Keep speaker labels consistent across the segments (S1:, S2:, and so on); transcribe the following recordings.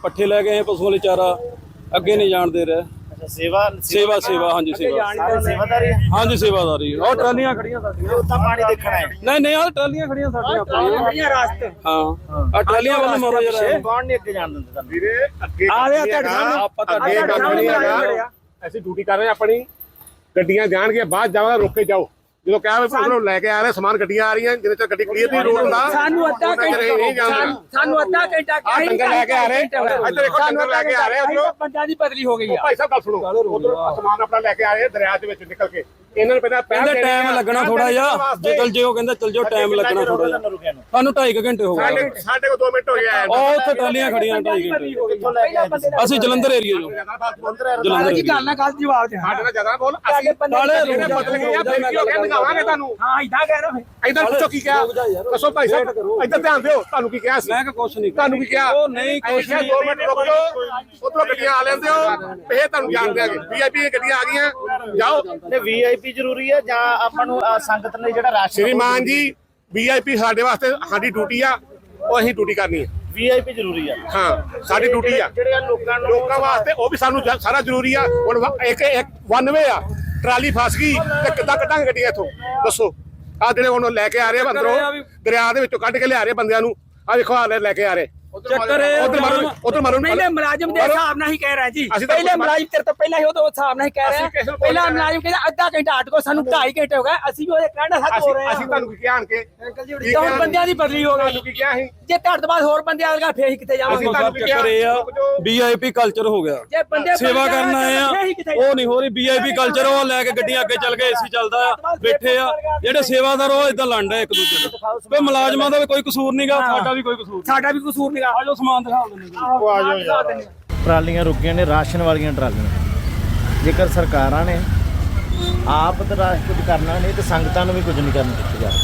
S1: पट्ठे लै गए पशुओं लिए चारा, अगे नहीं जान दे रहे।
S2: सेवा
S1: सेवा सेवा हाँ जी सेवा
S2: सेवादारी
S1: हाँ जी सेवादारी और ट्रालियां खड़ियां
S2: पानी देखना है
S1: नहीं यार ट्रालियां खड़ियां साडियां रास्ते हाँ आ ट्रालियां वाले मारो जरा
S2: कौन नहीं अगे जान दिंदा तुहानू
S3: ਵੀਰੇ ਅੱਗੇ ਆਪਾਂ ਤਾਂ ਅੱਗੇ ਕੰਮ ਨਹੀਂ ਹੈਗਾ ਅਸੀਂ ਡਿਊਟੀ ਕਰ ਰਹੇ ਆਪਣੀ ਗੱਡੀਆਂ ਜਾਣਗੇ ਬਾਅਦ ਜਾਵਾਂਗੇ ਰੁਕ ਕੇ ਜਾਓ ਜਦੋਂ ਕਿਹਾ ਵੀ ਉਧਰੋਂ ਲੈ ਕੇ ਆ ਰਹੇ ਸਮਾਨ ਗੱਡੀਆਂ ਆ ਰਹੀਆਂ ਜਿੰਨੇ ਚਿਰ ਗੱਡੀ ਕਲੀਅਰ ਨਹੀਂ ਰੋਡ ਹੁੰਦਾ
S4: ਸਾਨੂੰ ਅੱਧਾ ਘੰਟਾ
S3: ਡੰਗਰ ਲੈ ਕੇ ਆ ਰਹੇ ਇੱਧਰ ਇੱਕ ਡੰਗਰ ਲੈ ਕੇ ਆ ਰਹੇ ਉਧਰੋਂ
S4: ਬੰਦਿਆਂ ਦੀ ਬਦਲੀ ਹੋ ਗਈ ਆ
S3: ਭਾਈ ਸਾਹਿਬ ਗੱਲ ਸੁਣੋ ਉਧਰੋਂ ਸਮਾਨ ਆਪਣਾ ਲੈ ਕੇ ਆ ਰਹੇ ਦਰਿਆ ਦੇ ਵਿੱਚ ਨਿਕਲ ਕੇ ਇਹਨਾਂ ਨੂੰ ਪਹਿਲਾਂ
S1: ਕਹਿੰਦੇ ਟਾਈਮ ਲੱਗਣਾ ਥੋੜਾ ਜਿਹਾ ਜੇ ਚਲ ਜਿਓ ਕਹਿੰਦੇ ਚਲ ਜਿਓ ਟਾਈਮ ਲੱਗਣਾ ਥੋੜਾ ਜਿਹਾ ਸਾਨੂੰ 2.5 ਘੰਟੇ ਹੋ ਗਏ
S3: ਸਾਡੇ ਕੋਲ 2 ਮਿੰਟ ਹੋ ਗਏ
S1: ਉਹ ਉੱਥੇ ਟਰਾਲੀਆਂ ਖੜੀਆਂ 2.5 ਘੰਟੇ ਅਸੀਂ ਜਲੰਧਰ ਏਰੀਆ ਜੋ
S4: ਜਲੰਧਰ ਕੀ ਗੱਲ ਨਾ ਕੱਲ ਜਵਾਬ ਦੇ
S3: ਸਾਡੇ ਨਾਲ ਜ਼ਿਆਦਾ ਬੋਲ ਅਸੀਂ ਜਿਹੜੇ ਬਦਲ ਗਏ ਆ ਫਿਰ ਕੀ ਹੋ ਗਿਆ ਦਿਖਾਵਾਂਗੇ ਤੁਹਾਨੂੰ
S4: ਹਾਂ ਇਦਾਂ ਕਹਿ ਰਹੇ
S3: ਇਧਰ ਪੁੱਛੋ ਕੀ ਕਿਹਾ ਦੱਸੋ ਭਾਈ ਸਾਹਿਬ ਇੱਧਰ ਧਿਆਨ ਦਿਓ ਤੁਹਾਨੂੰ ਕੀ ਕਿਹਾ ਸੀ
S1: ਮੈਂ ਕਿ ਕੁਛ ਨਹੀਂ
S3: ਤੁਹਾਨੂੰ ਕੀ ਕਿਹਾ
S1: ਉਹ ਨਹੀਂ ਕੁਛ ਨਹੀਂ
S3: 2 ਮਿੰਟ ਰੁਕ ਜਾਓ ਉਧਰੋਂ ਗੱਡੀਆਂ ਆ ਲੈਂਦੇ ਹੋ ਇਹ ਤੁਹਾਨੂੰ ਜਾਣ ਦਿਆਂਗੇ ਵੀਆਈਪੀ ਗੱਡੀਆਂ ਆ ਗਈਆਂ ਜਾਓ
S2: ਤੇ ਵੀਆਈਪੀ ਜ਼ਰੂਰੀ ਹੈ ਜਾਂ ਆਪਾਂ ਨੂੰ ਸੰਗਤ ਨੇ ਜਿਹੜਾ ਰਾਸ਼ਨ
S3: ਸ਼੍ਰੀਮਾਨ ਜੀ ਵੀਆਈਪੀ ਸਾਡੇ ਵਾਸਤੇ ਸਾਡੀ ਡਿਊਟੀ ਆ ਉਹ ਅਸੀਂ ਡਿਊਟੀ ਕਰਨੀ ਹੈ
S2: ਵੀਆਈਪੀ ਜ਼ਰੂਰੀ ਆ
S3: ਹਾਂ ਸਾਡੀ ਡਿਊਟੀ ਆ
S2: ਜਿਹੜੇ
S3: ਲੋਕਾਂ ਵਾਸਤੇ ਉਹ ਵੀ ਸਾਨੂੰ ਸਾਰਾ ਜ਼ਰੂਰੀ ਆ ਹੁਣ ਇੱਕ 91 ਆ ਟਰਾਲੀ ਫਸ ਗਈ ਤੇ ਕਿੱਦਾਂ ਕੱਢਾਂਗੇ ਗੱਡੀਆਂ ਇੱਥੋਂ ਦੱਸੋ ਆ ਜਿਹੜੇ ਹੁਣ ਲੈ ਕੇ ਆ ਰਹੇ ਅੰਦਰੋਂ ਦਰਿਆ ਦੇ ਵਿੱਚੋਂ ਕੱਢ ਕੇ ਲਿਆ ਰਹੇ ਬੰਦਿਆਂ ਨੂੰ ਆ ਦੇਖੋ ਆ ਲੈ ਕੇ ਆ ਰਹੇ
S1: ਚੱਕਰ
S3: ਉਧਰ ਮਾਰੋ
S4: ਪਹਿਲੇ ਮੁਲਾਜ਼ਮ ਦੇ ਹਿਸਾਬ ਨਾਲ ਹੀ ਕਹਿ ਰਿਹਾ ਜੀ ਪਹਿਲੇ ਮੁਲਾਜ਼ਮ ਤੇਰੇ ਤੋਂ ਪਹਿਲਾਂ ਹੀ ਉਹਦੇ ਹਿਸਾਬ ਨਾਲ ਹੀ ਕਹਿ ਰਿਹਾ ਪਹਿਲਾਂ ਮੁਲਾਜ਼ਮ ਕਹਿੰਦਾ ਅੱਧਾ ਘੰਟਾ ਅਟਕੋ ਸਾਨੂੰ 2.5 ਘੰਟੇ ਹੋ ਗਏ ਅਸੀਂ ਵੀ ਉਹਦੇ ਕਹਿਣਾ ਹੱਥ ਹੋ ਰਹੇ
S3: ਅਸੀਂ ਤੁਹਾਨੂੰ ਕੀ ਕਿਹਾ ਆਣ ਕੇ
S4: ਹੁਣ ਬੰਦਿਆਂ ਦੀ ਬਦਲੀ ਹੋ ਗਈ
S3: ਕੀ ਕਿਹਾ ਸੀ
S4: ਜੇ ਤੁਹਾਡੇ ਤੋਂ ਬਾਅਦ ਹੋਰ ਬੰਦੇ ਆਏਗਾ ਫੇਰ ਹੀ ਕਿੱਥੇ ਜਾਵਾਂਗੇ
S1: ਚੱਕਰ ਇਹ ਆ ਵੀਆਈਪੀ ਕਲਚਰ ਹੋ ਗਿਆ
S4: ਜੇ ਬੰਦੇ
S1: ਸੇਵਾ ਕਰਨ ਆਏ ਆ ਉਹ ਨਹੀਂ ਹੋ ਰਹੀ ਵੀਆਈਪੀ ਕਲਚਰ ਉਹ ਲੈ ਕੇ ਗੱਡੀਆਂ ਅੱਗੇ ਚੱਲ ਗਏ ਏਸੀ ਚੱਲਦਾ ਆ ਬੈਠੇ ਆ ਜਿਹੜੇ ਸੇਵਾਦਾਰ ਉਹ ਇਦਾਂ ਲੜਦੇ ਇੱਕ ਦੂਜੇ ਨੂੰ ਕੋਈ ਮੁਲਾਜ਼ਮਾਂ ਦਾ ਵੀ ਕੋਈ ਕਸੂਰ ਨਹੀਂਗਾ ਸਾਡਾ ਵੀ ਕੋਈ ਕਸੂਰ
S4: ਸਾਡਾ ਵੀ ਕਸੂਰ ਨਹੀਂਗਾ
S1: ਆਜੋ ਸਮਾਨ ਦਿਖਾ ਦਿੰਦੇ
S2: ਟਰਾਲੀਆਂ ਰੁਕੀਆਂ ਨੇ ਰਾਸ਼ਨ ਵਾਲੀਆਂ ਟਰਾਲੀਆਂ ਜੇਕਰ ਸਰਕਾਰਾਂ ਨੇ ਆਪ ਤਾਂ ਕੁਝ ਕਰਨਾ ਨਹੀਂ ਤੇ ਸੰਗਤਾਂ ਨੂੰ ਵੀ ਕੁਝ ਨਹੀਂ ਕਰਨ ਦਿੱਤਾ ਜਾ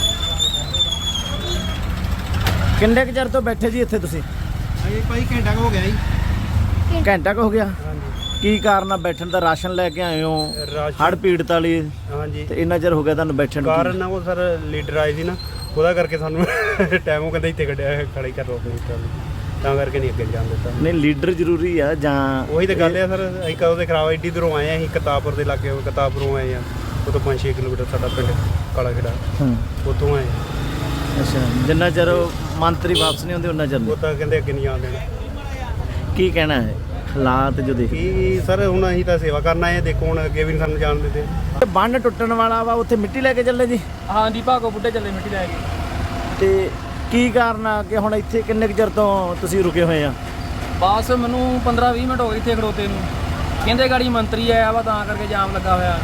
S2: ਕਿੰਨੇ ਕੁ ਚਿਰ ਤੋਂ ਬੈਠੇ ਜੀ ਇੱਥੇ ਤੁਸੀਂ
S5: ਭਾਈ ਘੰਟਾ ਹੋ ਗਿਆ ਜੀ
S2: ਘੰਟਾ ਕੁ ਹੋ ਗਿਆ ਕੀ ਕਾਰਨ ਆ ਬੈਠਣ ਦਾ ਰਾਸ਼ਨ ਲੈ ਕੇ ਆਏ ਹੋ ਹੜ੍ਹ ਪੀੜਤ ਵਾਲੀ
S5: ਹਾਂਜੀ
S2: ਤੇ ਇੰਨਾ ਚਿਰ ਹੋ ਗਿਆ ਤੁਹਾਨੂੰ ਬੈਠਣ ਨੂੰ
S5: ਕਾਰਨ ਉਹ ਸਰ ਲੀਡਰ ਆਏ ਸੀ ਨਾ ਉਹਦਾ ਕਰਕੇ ਸਾਨੂੰ ਟਾਈਮ ਉਹ ਕਹਿੰਦਾ ਇੱਥੇ ਕੱਢਿਆ ਖੜਾ ਹੀ ਕਰ ਰੋ ਆਪਣੀ ਤਾਂ ਕਰਕੇ ਨਹੀਂ ਅੱਗੇ ਜਾਣ ਦਿੱਤਾ
S2: ਨਹੀਂ ਲੀਡਰ ਜ਼ਰੂਰੀ ਆ ਜਾਂ
S5: ਉਹੀ ਤਾਂ ਗੱਲ ਆ ਸਰ ਅਸੀਂ ਕਦੋਂ ਦੇ ਖਰਾਬ ਐਡੀ ਦੂਰੋਂ ਆਏ ਆ ਅਸੀਂ ਕਰਤਾਰਪੁਰ ਦੇ ਲਾਗੇ ਕਰਤਾਰਪੁਰੋਂ ਆਏ ਆ ਉਹ ਤੋਂ 5-6 ਕਿਲੋਮੀਟਰ ਸਾਡਾ ਪਿੰਡ ਕਾਲਾ ਖੇੜਾ ਉੱਥੋਂ ਆਏ
S2: ਅੱਛਾ ਜਿੰਨਾ ਚਿਰ ਮੰਤਰੀ ਵਾਪਸ ਨਹੀਂ ਹੁੰਦੇ ਉਹਨਾਂ ਚਿਰ
S5: ਉਹ ਤਾਂ ਕਹਿੰਦੇ ਅੱਗੇ ਨਹੀਂ ਜਾਣ ਦੇਣਾ
S2: ਕੀ ਕਹਿਣਾ ਹੈ ਹਾਲਾਤ ਜੋ ਦੇਖ
S5: ਕੀ ਸਰ ਹੁਣ ਅਸੀਂ ਤਾਂ ਸੇਵਾ ਕਰਨ ਆਏ ਆ ਦੇਖੋ ਹੁਣ ਅੱਗੇ ਵੀ ਸਾਨੂੰ ਜਾਣ ਦਿੰਦੇ
S2: ਬੰਨ ਟੁੱਟਣ ਵਾਲਾ ਵਾ ਉੱਥੇ ਮਿੱਟੀ ਲੈ ਕੇ ਚੱਲੇ ਜੀ
S4: ਹਾਂਜੀ ਭਾਗੋ ਬੁੱਢੇ ਚੱਲੇ ਮਿੱਟੀ ਲੈ ਕੇ
S2: ਤੇ ਕੀ ਕਾਰਨ ਆ ਕਿ ਹੁਣ ਇੱਥੇ ਕਿੰਨੇ ਕੁ ਚਿਰ ਤੋਂ ਤੁਸੀਂ ਰੁਕੇ ਹੋਏ ਆ
S4: ਬਸ ਮੈਨੂੰ 15-20 ਮਿੰਟ ਹੋ ਗਏ ਇੱਥੇ ਖੜੋਤੇ ਨੂੰ ਕਹਿੰਦੇ ਗਾੜੀ ਮੰਤਰੀ ਆਇਆ ਵਾ ਤਾਂ ਕਰਕੇ ਜਾਮ ਲੱਗਾ ਹੋਇਆ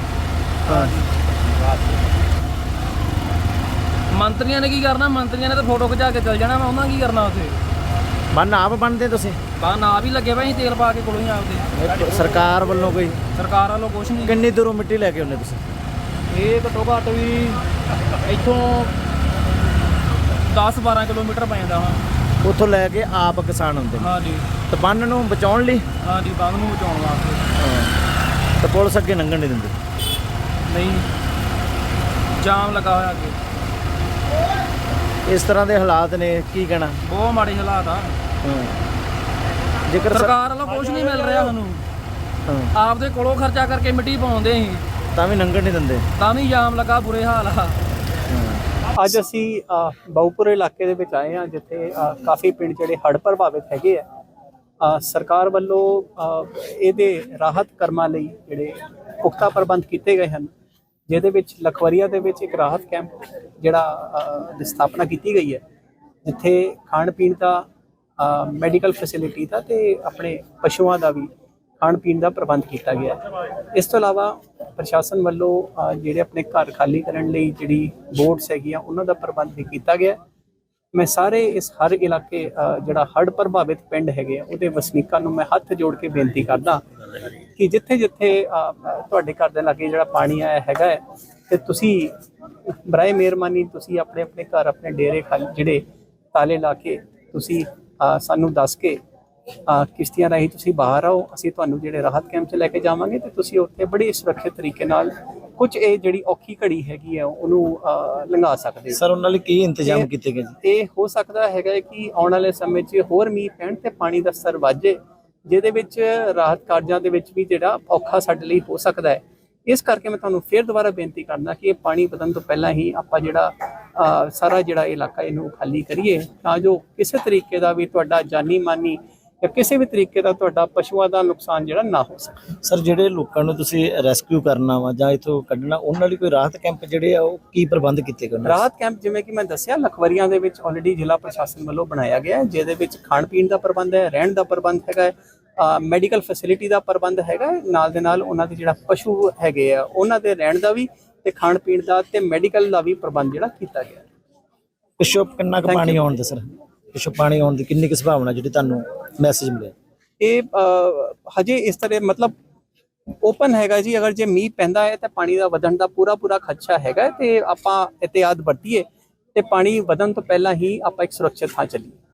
S4: ਮੰਤਰੀਆਂ ਨੇ ਕੀ ਕਰਨਾ ਮੰਤਰੀਆਂ ਨੇ ਤਾਂ ਫੋਟੋ ਖਿਚਾ ਕੇ ਚੱਲ ਜਾਣਾ ਵਾ ਉਹਨਾਂ ਕੀ ਕਰਨਾ ਉੱਥੇ
S2: ਬੰਨ ਆਪ ਬੰਨਦੇ ਤੁਸੀਂ
S4: ਬਾ ਨਾ ਵੀ ਲੱਗੇ ਭਾਈ ਤੇਲ ਪਾ ਕੇ ਕੋਲੋਂ ਹੀ ਆਪਦੇ
S2: ਸਰਕਾਰ ਵੱਲੋਂ ਕੋਈ
S4: ਸਰਕਾਰ ਵੱਲੋਂ ਕੁਛ ਨਹੀਂ
S2: ਕਿੰਨੀ ਦੂਰੋਂ ਮਿੱਟੀ ਲੈ ਕੇ ਆਉਂਦੇ ਤੁਸੀਂ
S4: ਇਹ ਘੱਟੋ ਘੱਟ ਵੀ ਇੱਥੋਂ 10-12 ਕਿਲੋਮੀਟਰ ਪੈ ਜਾਂਦਾ ਹਾਂ
S2: ਉੱਥੋਂ ਲੈ ਕੇ ਆਪ ਕਿਸਾਨ ਹੁੰਦੇ ਨੇ
S4: ਹਾਂਜੀ
S2: ਤੇ ਬੰਨ ਨੂੰ ਬਚਾਉਣ ਲਈ
S4: ਹਾਂਜੀ ਬੰਦ ਨੂੰ ਬਚਾਉਣ ਵਾਸਤੇ
S2: ਤੇ ਪੁਲਿਸ ਅੱਗੇ ਲੰਘਣ ਨਹੀਂ ਦਿੰਦੀ
S4: ਨਹੀਂ ਜਾਮ ਲੱਗਾ ਹੋਇਆ ਅੱਗੇ
S2: ਇਸ ਤਰ੍ਹਾਂ ਦੇ ਹਾਲਾਤ ਨੇ ਕੀ ਕਹਿਣਾ
S4: ਬਹੁਤ ਮਾੜੇ ਹਾਲਾਤ ਆ
S2: ਜੇਕਰ
S4: ਸਰਕਾਰ ਵੱਲੋਂ ਕੁਝ ਨਹੀਂ ਮਿਲ ਰਿਹਾ ਸਾਨੂੰ ਆਪਦੇ ਕੋਲੋਂ ਖਰਚਾ ਕਰਕੇ ਮਿੱਟੀ ਪਾਉਂਦੇ ਸੀ
S2: ਤਾਂ ਵੀ ਲੰਘਣ ਨਹੀਂ ਦਿੰਦੇ
S4: ਤਾਂ ਵੀ ਜਾਮ ਲੱਗਾ ਬੁਰੇ ਹਾਲ ਆ
S6: ਅੱਜ ਅਸੀਂ ਬਹੁਪੁਰ ਇਲਾਕੇ ਦੇ ਵਿੱਚ ਆਏ ਹਾਂ ਜਿੱਥੇ ਕਾਫੀ ਪਿੰਡ ਜਿਹੜੇ ਹੜ੍ਹ ਪ੍ਰਭਾਵਿਤ ਹੈਗੇ ਆ ਸਰਕਾਰ ਵੱਲੋਂ ਇਹਦੇ ਰਾਹਤ ਕਰਮਾਂ ਲਈ ਜਿਹੜੇ ਪੁਖਤਾ ਪ੍ਰਬੰਧ ਕੀਤੇ ਗਏ ਹਨ ਜਿਹਦੇ ਵਿੱਚ ਲਖਵਰੀਆ ਦੇ ਵਿੱਚ ਇੱਕ ਰਾਹਤ ਕੈਂਪ ਜਿਹੜਾ ਦੀ ਸਥਾਪਨਾ ਕੀਤੀ ਗਈ ਹੈ ਜਿੱਥੇ ਖਾਣ ਪੀਣ ਦਾ ਮੈਡੀਕਲ ਫੈਸਿਲਿਟੀ ਦਾ ਤੇ ਆਪਣੇ ਪਸ਼ੂਆਂ ਦਾ ਵੀ ਖਾਣ ਪੀਣ ਦਾ ਪ੍ਰਬੰਧ ਕੀਤਾ ਗਿਆ ਹੈ। ਇਸ ਤੋਂ ਇਲਾਵਾ ਪ੍ਰਸ਼ਾਸਨ ਵੱਲੋਂ ਜਿਹੜੇ ਆਪਣੇ ਘਰ ਖਾਲੀ ਕਰਨ ਲਈ ਜਿਹੜੀ ਬੋਰਡਸ ਹੈਗੀਆਂ ਉਹਨਾਂ ਦਾ ਪ੍ਰਬੰਧ ਵੀ ਕੀਤਾ ਗਿਆ। ਮੈਂ ਸਾਰੇ ਇਸ ਹਰ ਇਲਾਕੇ ਜਿਹੜਾ ਹੜ੍ਹ ਪ੍ਰਭਾਵਿਤ ਪਿੰਡ ਹੈਗੇ ਉਹਦੇ ਵਸਨੀਕਾਂ ਨੂੰ ਮੈਂ ਹੱਥ ਜੋੜ ਕੇ ਬੇਨਤੀ ਕਰਦਾ ਕਿ ਜਿੱਥੇ ਜਿੱਥੇ ਤੁਹਾਡੇ ਘਰ ਦੇ ਲਾਗੇ ਜਿਹੜਾ ਪਾਣੀ ਆਇਆ ਹੈਗਾ ਤੇ ਤੁਸੀਂ ਬਰਾਏ ਮਿਹਰਬਾਨੀ ਤੁਸੀਂ ਆਪਣੇ ਆਪਣੇ ਘਰ ਆਪਣੇ ਡੇਰੇ ਖਾਲੀ ਜਿਹੜੇ ਤਾਲੇ ਲਾ ਕੇ ਤੁਸੀਂ ਸਾਨੂੰ ਦੱਸ ਕੇ ਕਿਸ਼ਤੀਆਂ ਰਾਹੀਂ ਤੁਸੀਂ ਬਾਹਰ ਆਓ ਅਸੀਂ ਤੁਹਾਨੂੰ ਜਿਹੜੇ ਰਾਹਤ ਕੈਂਪ 'ਚ ਲੈ ਕੇ ਜਾਵਾਂਗੇ ਤੇ ਤੁਸੀਂ ਉੱਥੇ ਬੜੀ ਸੁਰੱਖਿਅਤ ਤਰੀਕੇ ਨਾਲ ਕੁਝ ਇਹ ਜਿਹੜੀ ਔਖੀ ਘੜੀ ਹੈਗੀ ਆ ਉਹਨੂੰ ਲੰਘਾ ਸਕਦੇ
S2: ਸਰ ਉਹਨਾਂ ਲਈ ਕੀ ਇੰਤਜ਼ਾਮ ਕੀਤੇ ਗਏ ਜੀ?
S6: ਇਹ ਹੋ ਸਕਦਾ ਹੈਗਾ ਕਿ ਆਉਣ ਵਾਲੇ ਸਮੇਂ 'ਚ ਹੋਰ ਮੀਂਹ ਪੈਣ ਤੇ ਪਾਣੀ ਦਾ ਸਤਰ ਵੱਧੇ, ਜਿਹਦੇ ਵਿੱਚ ਰਾਹਤ ਕਾਰਜਾਂ ਦੇ ਵਿੱਚ ਵੀ ਜਿਹੜਾ ਔਖਾ ਸਾਡੇ ਲਈ ਹੋ ਸਕਦਾ ਹੈ। ਇਸ ਕਰਕੇ ਮੈਂ ਤੁਹਾਨੂੰ ਫਿਰ ਦੁਬਾਰਾ ਬੇਨਤੀ ਕਰਦਾ ਕਿ ਇਹ ਪਾਣੀ ਵਧਣ ਤੋਂ ਪਹਿਲਾਂ ਹੀ ਆਪਾਂ ਜਿਹੜਾ ਸਾਰਾ ਜਿਹੜਾ ਇਲਾਕਾ ਇਹਨੂੰ ਖਾਲੀ ਕਰੀਏ, ਤਾਂ ਜੋ ਕਿਸੇ ਤਰੀਕੇ ਦਾ ਵੀ ਤੁਹਾਡਾ ਜਾਨੀ ਮਾਨੀ ਜਾਂ ਕਿਸੇ ਵੀ ਤਰੀਕੇ ਦਾ ਤੁਹਾਡਾ ਪਸ਼ੂਆਂ ਦਾ ਨੁਕਸਾਨ ਜਿਹੜਾ ਨਾ ਹੋ ਸਕੇ।
S2: ਸਰ ਜਿਹੜੇ ਲੋਕਾਂ ਨੂੰ ਤੁਸੀਂ ਰੈਸਕਿਊ ਕਰਨਾ ਵਾ ਜਾਂ ਇਥੋਂ ਕੱਢਣਾ, ਉਹਨਾਂ ਲਈ ਕੋਈ ਰਾਹਤ ਕੈਂਪ ਜਿਹੜੇ ਆ ਉਹ ਕੀ ਪ੍ਰਬੰਧ ਕੀਤੇ ਗਏ?
S6: ਰਾਹਤ ਕੈਂਪ ਜਿਵੇਂ ਕਿ ਮੈਂ ਦੱਸਿਆ ਲਖਵਰੀਆਂ ਦੇ ਵਿੱਚ ਆਲਰੇਡੀ ਜ਼ਿਲ੍ਹਾ ਪ੍ਰਸ਼ਾਸਨ ਵੱਲੋਂ ਬਣਾਇਆ ਗਿਆ ਹੈ, ਜਿਹਦੇ ਵਿੱਚ ਖਾਣ ਪੀਣ ਦਾ ਪ੍ਰਬੰਧ ਹੈ, ਰਹਿਣ ਦਾ ਪ੍ਰਬੰਧ ਹੈਗਾ ਹੈ, ਮੈਡੀਕਲ ਫੈਸਿਲਿਟੀ ਦਾ ਪ੍ਰਬੰਧ ਹੈਗਾ, ਨਾਲ ਦੇ ਨਾਲ ਉਹਨਾਂ ਦੇ ਜਿਹੜਾ ਪਸ਼ੂ ਹੈਗੇ ਆ ਉਹਨਾਂ ਦੇ ਰਹਿਣ ਦਾ ਵੀ ਤੇ ਖਾਣ ਪੀਣ ਦਾ ਤੇ ਮੈਡੀਕਲ ਦਾ ਵੀ ਪ੍ਰਬੰਧ ਜਿਹੜਾ ਕੀਤਾ ਗਿਆ।
S2: ਪਿੱਛੋਂ ਕਿੰਨਾ ਕੁ ਪਾਣੀ ਆਉਣ ਦਾ ਸਰ? ਪਿੱਛੋਂ ਪਾਣੀ ਆਉਣ ਦੀ ਕਿੰਨੀ ਕੁ ਸੰਭਾਵਨਾ ਜਿਹੜੀ ਤੁਹਾਨੂੰ ਮੈਸੇਜ ਮਿਲਿਆ?
S6: ਇਹ ਹਜੇ ਇਸ ਤਰ੍ਹਾਂ ਮਤਲਬ ਓਪਨ ਹੈਗਾ ਜੀ, ਅਗਰ ਜੇ ਮੀਂਹ ਪੈਂਦਾ ਹੈ ਤਾਂ ਪਾਣੀ ਦਾ ਵਧਣ ਦਾ ਪੂਰਾ ਖਦਸ਼ਾ ਹੈਗਾ ਤੇ ਆਪਾਂ ਇhtiyat ਵਰਤੀਏ ਤੇ ਪਾਣੀ ਵਧਣ ਤੋਂ ਪਹਿਲਾਂ ਹੀ ਆਪਾਂ ਇੱਕ ਸੁਰੱਖਿਅਤ ਥਾਂ ਚੱਲੀਏ।